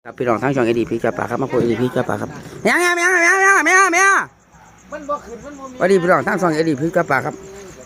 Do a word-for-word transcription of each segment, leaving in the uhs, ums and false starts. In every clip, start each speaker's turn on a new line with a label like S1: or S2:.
S1: ครับพี่น้องทั้งช่องเอดีพีจับปลาครับมาพูดเอดีพีจับปลาครับเมียเมียเมียเมียเมียเมียเมียมันบ่ขึ้นมันบ่มีวันนี้พี่น้องทั้งช่องเอดีพีจับปลาครับ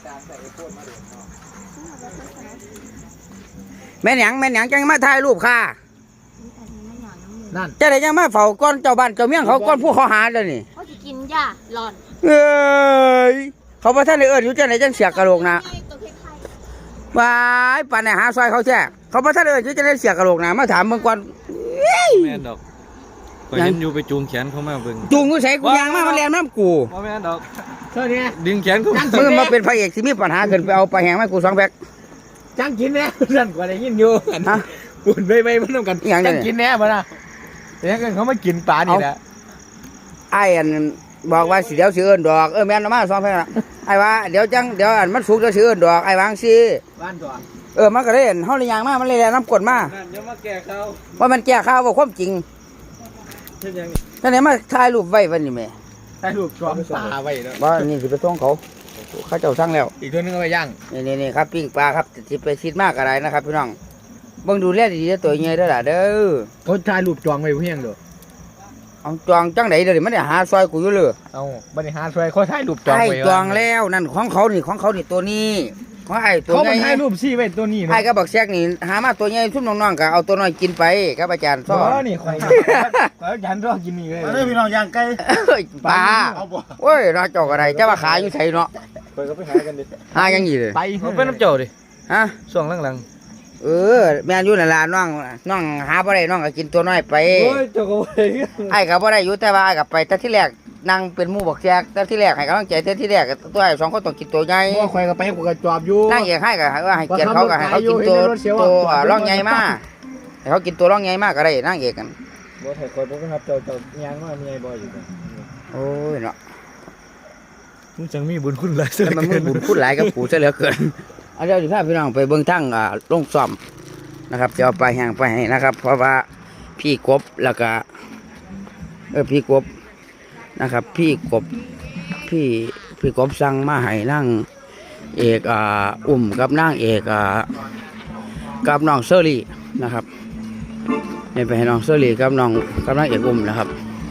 S1: แม่หยังแม่หยังจังมาถ่ายรูปค่ะนั่นจะได้ยังมาเฝ้าก้อนเจ้าบ้านเจ้าเมียงเขาก้อนผู้เขาหาเลยนี่
S2: เขาจะกินหญ้าหลอน
S1: เอ้ยเขาพระท่านได้เอิญอยู่จังไหนจังเสียกระโหลกนะว้ายป่านไหนหาซอยเขาแช่เขาพระท่านได้เอิญอยู่จังไหนเสียกระโหลกนะมาถามเมื่อก่อน
S3: แม่นดอกก็เห็นอยู่ไปจูงแขนเขามาเบิ่ง
S1: จูงกูใส่กูยางมามันแรงน้ำกู
S3: ว่าแม่นดอก
S4: เท่านี้
S3: ดึงแขนเขา
S1: มึงมาเป็นพระเอกที่มีปัญหาเกินไปเอาไปแหงมากูสองแพ็ค
S4: จังกินแน่สั่นกว่าได้ยินอยู่ฮะปุ่นไปไปมันต้องกันจังกินแน่มาละแต่ยังเขาไม่กินปลานี่แหละ
S1: ไอ้อันบอกว่าสิเดี๋ยวสิเอิ้นดอกเออแม่นมาสองแพ็คละไอ้ว่าเดี๋ยวจังเดี๋ยวอันมันสุกเดี๋ยวสิเอิ้นดอกไอ้วางสิ
S4: บ้านก่อน
S1: เออมันก็ได้เห็นเฮาเลยยางมามันเลยแรงน้ำกรดมา
S3: เดี๋ยวมาแก้ข้าว
S1: ว่ามันแก้ข้าวว่าความจริงท่านนี้มาถ่ายรูปไว้วันนี้แม่
S4: ถ่ายรูปจอมปลาไว้แล้ว
S1: บ่นี่สิไปส่งเขาเขาเจ้าสั่งแล้ว
S4: อีกตัวนึงเอาไปย่าง
S1: นี่นี่ครับปิ้งปลาครับสิไปชิดมากอะไรนะครับพี่น้องเบิ่งดูแลดีๆตัวใหญ่เด้อล่ะเด้อ
S4: เขาถ่ายรูปจองไว้เพียงเด้อ
S1: เอาจองจังได๋เด้อมันได้หาซอยกูอยู่เลย
S4: เอาบ่ได้หาซอยเขาถ่ายรูปจองไว้
S1: จองแล้วนั่นของเขานี่ของเขานี่ตัวนี้ของไอ้ตัวใหญ่
S4: เขาถ่ายรูปซี่ไว้ตัวนี้
S1: ไอ้ก็บอกแซกนี่หามาตัวใหญ่ซุ่มน้องๆก็เอาตัวน้อยกินไปครับอาจารย์สอน
S4: อ๋อนี่ข่อยข่อยยันรอกินนี่เลย
S5: มาเด้อพี่น้องย่างไก่
S1: ปลาโอ้ยราจอกอะไรจะมาขายอยู่ไสเนาะ
S3: ไปก็ไปหากันดิ
S1: หายังงี้เลย
S4: ไป
S3: ไปน้ำเจ้าดิ
S1: ฮะ
S3: ช่วงหลัง
S1: ๆเออแม่นอยู่นั่นล่ะน้องน้องหาบ่ได้น้องก็กินตัวน้อยไป
S3: โอ้ยเจ้าก็ไป
S1: ไอ้ก็บ่ได้อยู่แต่ว่าไอ้ก็ไปแต่ที่แรกนั่งเป็นหมู่บอกแซกแต่ที่แรกให้กำลังใจแต่ที่แรกตัวไอ้สองคนต้องกินตัวใหญ่
S4: เพราะข่อยก็ไปกูก็จอบอยู่
S1: นั่งเอกให้ก็ว่าให้เกียรติเขาก็ให้เขากินตัวตัวร่องใหญ่มากให้เขากินตัวร่องใหญ่มากก็ได้นั่งเอกกัน
S3: บ่ให้ข่อยบ่ครับเจ้าเจ้ายางมาเมียบ่อยู่กัน
S1: โอ้ยเนาะ
S3: มึงจังมีบุญคุณหลาย
S1: ซะมันมึงบุญคุณหลายกับกูซะเหลือเกินเอาเดี๋ยวสิพาพี่น้องไปเบิ่งทางอ่าลงซ่อมนะครับจะเอาไปแห้งไปให้นะครับเพราะว่าพี่กบแล้วก็เออพี่กบนะครับพี่กบพี่พี่กบสั่งมาให้นั่งเอกอ่าอุ่มกับนั่งเอกอ่ากับน้องเซอรี่นะครับเนี่ยไปให้น้องเซอรี่กับน้องกับนั่งเอกอุ่มนะครับ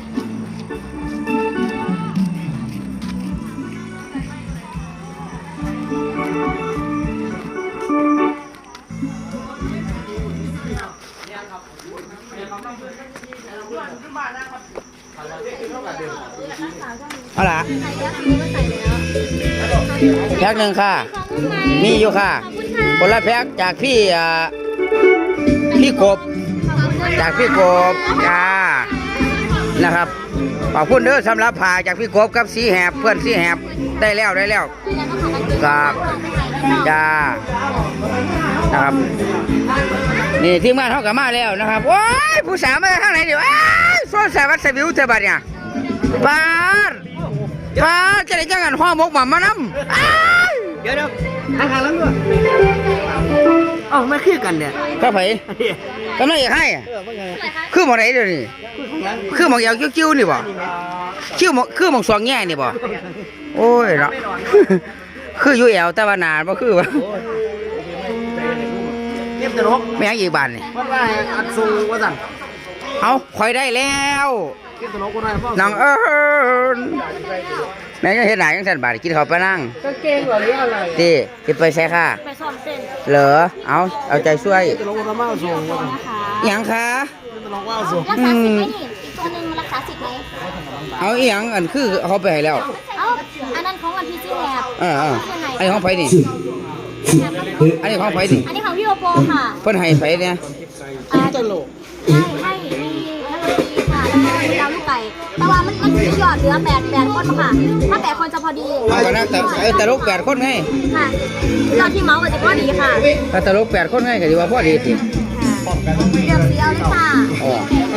S1: เอาล่ะแพ็คหนึ่งค่ะมีอยู่ค่ะคนละแพ็คจากพี่อ่าพี่กบจากพี่กบจ้านะครับขอบคุณเด้อสำหรับผ่าจากพี่กบกับสีแหบเพื่อนสีแหบได้แล้วได้แล้วครับจ้านะครับนี่ทีมงานเขากลับมาแล้วนะครับโอ้ยผู้สาวมาทางไหนเดี๋ยวโซ่สาวัดสบิวเธอบัดเนี่ยบ้านบ้านจะได้จังกันห้อมกหม่ำมานำ
S4: เดี๋ยวเดี๋ยวทางทางแล้วด้วยอ๋อไม่คือกันเนี่ย
S1: ก็ไผกำลังอยากให้คือหมองไหนเดี๋ยวนี้คือหมองยาวกิ้วๆนี่บ่คิ้วหมองคือหมองสองแง่นี่บ่โอ้ยเนาะคืออยู่แอวแต่ว่านาบ่คือว่า
S4: เก็บตลก
S1: ไม่ยังอีกบานนี่
S4: เพราะว่าอัดสูว่าสั่ง
S1: เอาคอยได้แล้ว
S4: เก็บตลกคนไหนพ่อ
S1: น้องเอิญแม่ยังเห็นหน้ายังสั่นบาดกินข้าวไปนั่ง
S4: ก็เก่งหรืออะไร
S1: ตีจะไปใส่ค่ะ
S2: ไปซ่อมเส้น
S1: เหรอเอาเอาใจช่วย
S4: ตลกคนมาส่งว่า
S1: อย่างค่ะ
S4: ตลกว่าส่ง
S2: รักษาสิทธิ์ไหมนี่อีกตัวนึงมันรักษาสิทธิ์ไหม
S1: เอาอีหยังอันคือเขาไปให้แล้ว
S2: เอาอันนั้นของวันที่ชื่อแหบ
S1: เออไอ้ของไผนี่อันนี้ของไผนี่
S2: อันนี้ของพี่โอโปค่ะ
S1: เพิ่นให้ไผเนี่ย
S4: ตลก
S2: ให้ให้ให้นักดนตรีค่ะแล้วก็ดาวลูกไก่แต่ว่ามันมันจะหยอดเหลือแปดแปดคนค่ะถ้าแปดคนจะพอดี
S1: เอากันนะแต่แต่ลูกแปดคนไง
S2: ค่ะยอดที่เมาส์ก็จะพอดีค่ะ
S1: ถ้าแต่ลูกแปดคนไงก็ดีว่าพอดีสิ
S2: เดี๋ยวสีเอาเลยค่ะ
S1: อ๋อ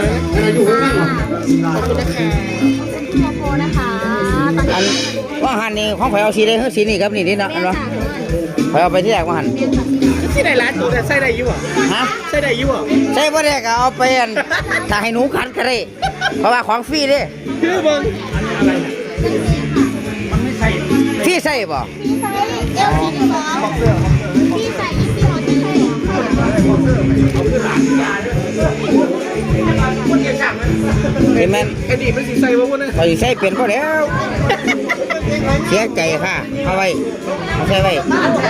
S2: ขอบคุณนะคะพี่โอโปนะคะตอนนี้
S1: ว่าหันนี่ของไผเอาสีได้คือสีนี่ครับนี่นี่เนาะอันวะไผเอาไปที่แรกว่าหัน
S4: ที่ไหนร้านตัวแต่ใส่ได้อยู่อ่ะ
S1: ฮะ
S4: ใส่ได้อยู่อ่ะ
S1: ใส่บ่ได้ก็เอาไปอันถ้าให้หนูขัดก็ได้เพราะว่าของฟรีเด้
S4: คือเบิ่งอะไรเนี่ยมันไม่ใช่
S1: ฟรีใส่บ่
S2: ฟรีใส่เอลสีที่สองฟรีใส่ยี่สิบหกที่ใส่
S1: เห็นไหม
S4: ไอ้นี่มันสิใส่บ่พุ่น
S1: ไปใส่เป็นก็แล้วเสียใจค่ะเอาไว้เอาใส่ไว้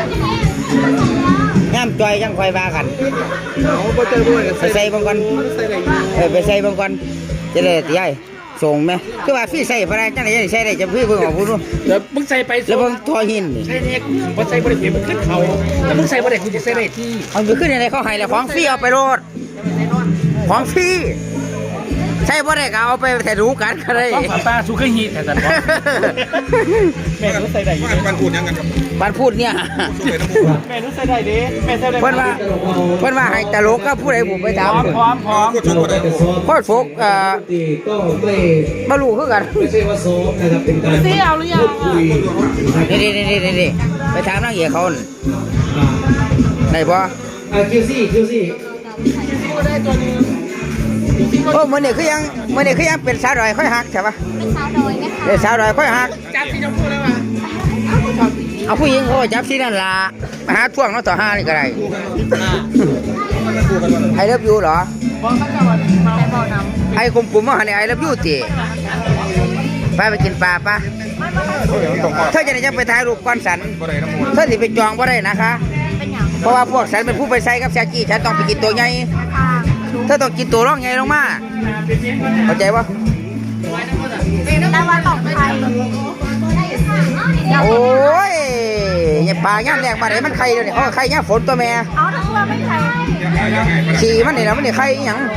S1: ย่ำจอยจังคอยบากัน
S4: เอาบ่เจอด้วย
S1: ไปใส่บางก่อน
S4: ใส่ได้
S1: เออไปใส่บางก่อนจะได้ตีใหญ่ส่งไหมคือว่าพี่ใส่พนักจังไหนใส่ได้จะพี่เพิ่งออกพูดว่า
S4: เดี๋ยวมึงใส่ไป
S1: แล้วเพิ่งทอหินนี่
S4: ใส่เนี่ยบ่ใส่บ่ได้เห็นมันขึ้นเขาแล้วมึงใส่บ่ได้กูจะใส่ได้ที่
S1: เอาไปขึ้นอะไรเขาให้แล้วของฟรีเอาไปโรดของฟรีใช่บ่ได้ก็เอาไปแต่รู้กันก็ได้
S4: ต้องฝาป้าสุขฮีแต่แต่แม่รู้ใส่ได้อยู่มันพูดยังกัน
S1: บ้านพูดเนี่ย
S4: แม่รู้ใส่ได้ดิแม่ใส่ได้
S1: เพิ่นว่าเพิ่นว่าให้ตลกก็ผู้ใดบุกไปถาม
S4: พร้อมพร้อมพร้อม
S1: โคตรโฟกเอ่อ
S5: ก็ไม่
S1: บ่รู้คือกัน
S5: ไม่ใช่ว่าซ้อมนะครับเป็นการ
S2: พี่เอาหรือยัง
S5: คุย
S1: นี่นี่นี่นี่ไปถามนางเอกเขาน่ะ
S5: อ่า
S1: ได้บ่
S5: อ่าคิวซี่คิวซี่
S1: โอ้มื้อนี้คือยังมื้อนี้คือยังเป็นสาวดอยค่อยฮักใช่ปะ
S2: เป็นสาวดอยไหมคะ
S1: เป็นสาวดอยค่อยฮัก
S4: จับที่จะพูดแล้วว่า
S1: เอาผู้หญิงเขาก็จับที่นั่นล่ะมาหาท่วงเนาะต่อห้านี่ก็ได้ไอเลิฟยูเหรอ
S4: พร้อมแล้วก็วันมา
S2: แต่บ่อน้
S1: ไอ้กลุ่มๆมาหาเนี่ยไอเลิฟยูติไปไปกินปลาปะเธอจะได้จะไปถ่ายรูปก้อนสันเธอสิไปจองบ่ได้นะคะ
S2: ำเป็นอย่าง
S1: เพราะว่าพวกฉันเป็นผู้ไปใส่กับแซกี้ฉันต้องไปกินตัวใหญ่
S2: ทาง
S1: เธอต้องกินตัวร่องใหญ่ลงมาเข้าใจปะ
S2: แต่ว่าต่อไป
S1: โอ้ยอย่าปลาย่ามแดงปลาไหนมันไข่เดี๋ยวนี้เขาก็ไข่ย่ามฝนตัวแม่
S2: เอาทั้งตัวไม่ใช่
S1: ขี่มันนี่นะมันนี่ไข่อีหยัง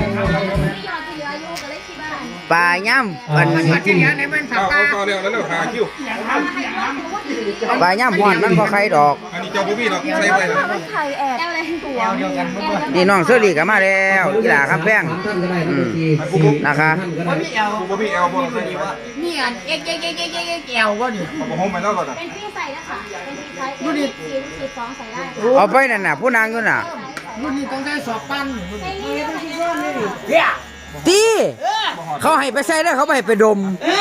S1: ปลาย่ามมัน
S4: ที่นี้ในมันฝาป้า
S6: ต่อเร็วแล้วเร็วหาคิว
S1: ปลาย่ามหวานมันก็ไข่ดอก
S6: อันนี้เจ้าบุบี้เนาะใส่ไปนะ
S2: ไม่ใช่แอบตัว
S4: เดียวกันเมื่อ
S1: นี่น้องเสื้อดีก็มาแล้วอีหล่าครับแป้ง
S5: ท่านก็ได้นะบางที
S1: นะคะ
S5: ท่านก็ได้
S6: บุบี้เอลบ่ใส่ดีวะ
S2: นี่อันเอ๊ะเอ๊ะเอ๊ะเอ๊ะเอ๊ะเอ๊ะ
S4: แก้วว่านี่
S6: เอาผมไปแล้วก่อนนะ
S2: เป็นพี่ใส่นะคะเป็นพี่ใช้ดูดิสีสีฟองใส่ได้
S1: เอาไปนั่นน่ะผู้นางอยู่น่ะ
S4: รุ่นนี้ต้องใช้สอบปั้น
S1: ตีเขาให้ไปใส่แล้วเขาไม่ให้ไปดม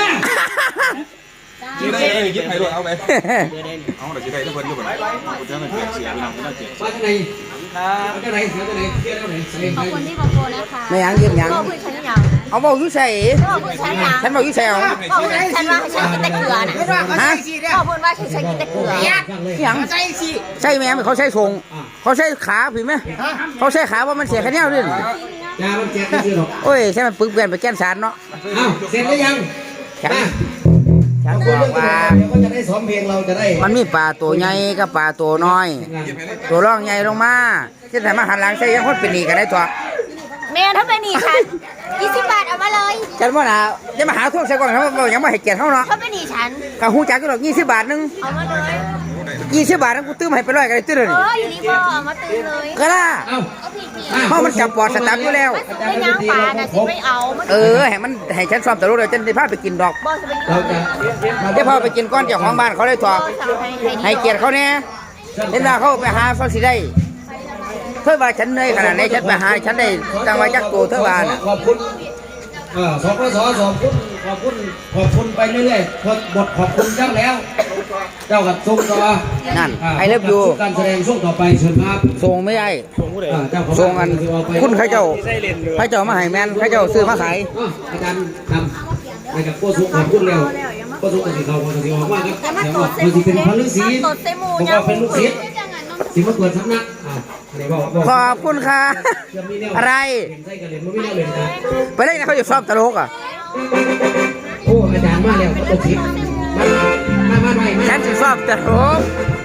S6: ยิงได้เลยยิงใครด้วยเอาไปเอาเดี๋ยวจะได้ทุกคนอยู่ก่อนกูจะไม่เปลี่ยนเสียไปนะกูจะเจ็บ
S5: มาจากไหนมาจากไหนมาจากไหนเที่ยวไหนใส่
S2: ขอบคุณที่บอกโกนะคะ
S1: ไม่หยังยืมหยัง
S2: ขอบคุณฉันยัง
S1: เอาบอกอยู่ใส่
S2: ขอบคุณฉันยัง
S1: ฉันบอกอยู่ใส่เอา
S2: ขอบคุณฉันว่าฉันกินแต่เกลือน่ะ
S1: ฮะ
S2: ขอบคุณว่าฉันกินแต่เกลือ
S1: หยังใช่ไหมเขาใช้ทรงเขาใช้ขาผิดไหมเขาใช้ขาว่ามันเสียแค่นี้ด้วย
S5: ยามันแจกไม่ซื้อหรอก
S1: โอ้ยใช่มันปึกเปลี่ยนไปแก้นสารเนาะ
S5: อ้าวเสร็จหรือยัง
S1: ฉัน
S5: มา
S1: ฉัน
S5: พู
S1: บ
S5: ด
S1: อก
S5: เรื่อง
S1: ว่า
S5: เดี๋ยวก็จะได้ซ้อมเพลงเราจะได้
S1: มันมีปลาตัวใหญ่กับปลาตัวน้อย ตัวร่องใหญ่ลงมาที่แต่มาหันหลังใส่ยังคนเป็นหนีกันได้ตัว
S2: แม่ถ้าเป็นหนีฉันยี่สิบบาทเอามาเลย
S1: ฉันว่าน่ะจะมาหาทุกใส่ก่อนเขาบอกยังไม่ให้เกียรติเขาเนาะ
S2: ถ้าเป็นหนีฉัน
S1: ข้าหูจักก็ดอกยี่สิบบาทนึง
S2: เอามาเลย
S1: ยี่สิบบาทนั้นกูตื้มให้ไปร้อยกันเลยตื้อเลย
S2: เอออยู่นี่พ่อเอามาตื่นเลย
S1: ก็ล่ะ
S5: เอ้า
S2: เอาผีผี
S5: อ่ะ
S1: เพราะมันจับปอดสตาร์ทอยู่แล้ว
S2: ไม่ย่างปลาน่ะสิไม่เอามัน
S1: เออให้มันให้ฉันซ้อมตลกเดี๋ยวฉันจะพาไปกินดอก
S2: บอสไป
S5: เราจะ
S1: เดี๋ยวพาไปกินก้อนเจ้าของบ้านเขาเลยถอดให้เกียรติเขาเนี่ยเห็นว่าเขาไปหาเขาสิได้เธอว่าฉันเหนื่อยขนาดไหนฉันไปหาฉันได้จังหวะจักตัวเธอว่าน่ะ
S5: ขอบคุณเออสปสขอบคุณขอบคุณขอบคุณไปเรื่อยๆพอบทขอบคุณเจ้าแล้ว เจ้ากับทรงต่อ
S1: นั่นไอเลิฟยู
S5: การแสดงช่วงต่อไปเชิญครับ
S1: ส่งไม่ได้
S5: อ่าเจ้าของ
S1: ส่งอันคุณเข้าเจ้าเข้าเจ้ามาให้แมนเข้าเจ้าซื้อมาขาย
S5: อ่ะอาจารย์นำในกับโคสุขขอบคุณแล้วโคสุขกับสีเขาของสีออกมาครับแต่ว่ามันสิเป็นพระฤาษีผมก็เป็นลูกศิษย์สิมาเปิดสำนักอ่าอะไรบอกบอก
S1: ขอบคุณค่ะ อะไร
S5: ใส่กระเหรียญมันไม่ได้เลยนะ
S1: ไปเล่นนะเขาจะชอบตลกอ่ะ
S5: โอ้อาจารย์มาแล้วลูกศิษย์มามามามา
S1: ฉันจะชอบตลก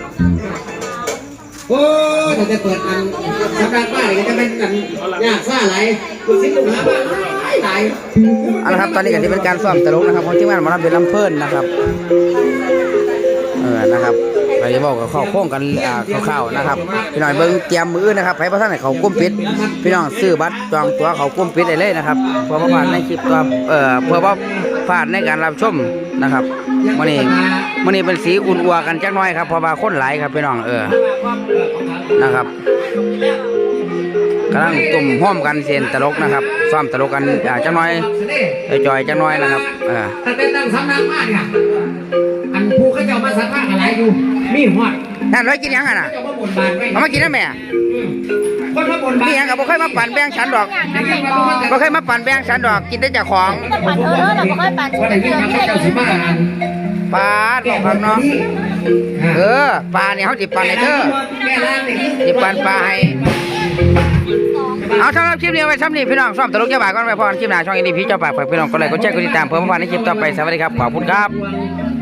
S5: โอ้ถ้าจะเปิดอันสำนักบ้านก็จะเป็นอันยากซ่าไหลลูกศิษย์ลูกหาบ้านไหล
S1: เอาละครับตอนนี้ก็ที่เป็นการซ้อมตลกนะครับของทีมงานหมอลำเป็นลำเพลินนะครับเออนะครับเราจะบอกกับข้อโค้งกันอ่าคร่าวๆนะครับพี่น้องเบิ้งเตรียมมือนะครับให้พระท่านให้เขากุ้มปิดพี่น้องซื้อบัตรจองตั๋วเขากุ้มปิดได้เลยนะครับเพื่อว่าผ่านในคลิปตัวเอ่อเพื่อว่าผ่านในการรับชมนะครับมื่อนี้มื่อนี้เป็นสีอุ่นอัวกันจักหน่อยครับเพราะว่าคนหลายครับพี่น้องเออนะครับกำลังตุ่มห้อมกันเสียนตลกนะครับซ้อมตลกกันอ่าจักหน่อยจอยๆจักหน่อยนะครับเออ
S5: ตั้งแต่ตั้งสำนักบ้านเนี่ยอันผู้เขาเจ้ามาสักผ้าอะไรอยู่มีหอด
S1: นั่นร้อยกินยังอ่ะนะ
S5: เจ้ามาบนบานไว้
S1: เอามากินได้ไหม
S5: อืมคนมาบน
S1: มีหยังก็บ่เคยมาปั่นแบ่งฉันดอกบ่เคยมาปั่นแบ่งฉันดอกกินได้จากของ
S2: ปั่นเธอเธอเราไม่ค่อยปั่น
S5: ว่าได้ยินคำเจ้าสิมา
S1: ปลาดอกครับเนาะเออปลาเนี่ยเฮาสิปั่นให้เธอ
S5: แก้ล่างนี่
S1: สิปั่นปลาให้เอาสำหรับคลิปนี้ไว้ซ้ำนี้พี่น้องซ้อมตลกเจ้าบ่าวก่อนไปพรคลิปหน้าช่องอีดีพี่เจ้าบ่าวฝากพี่น้องกดไลค์กดแชร์กดติดตามเพื่อมาฟังในคลิปต่อไปสวัสดีครับขอบคุณครับ
S5: บ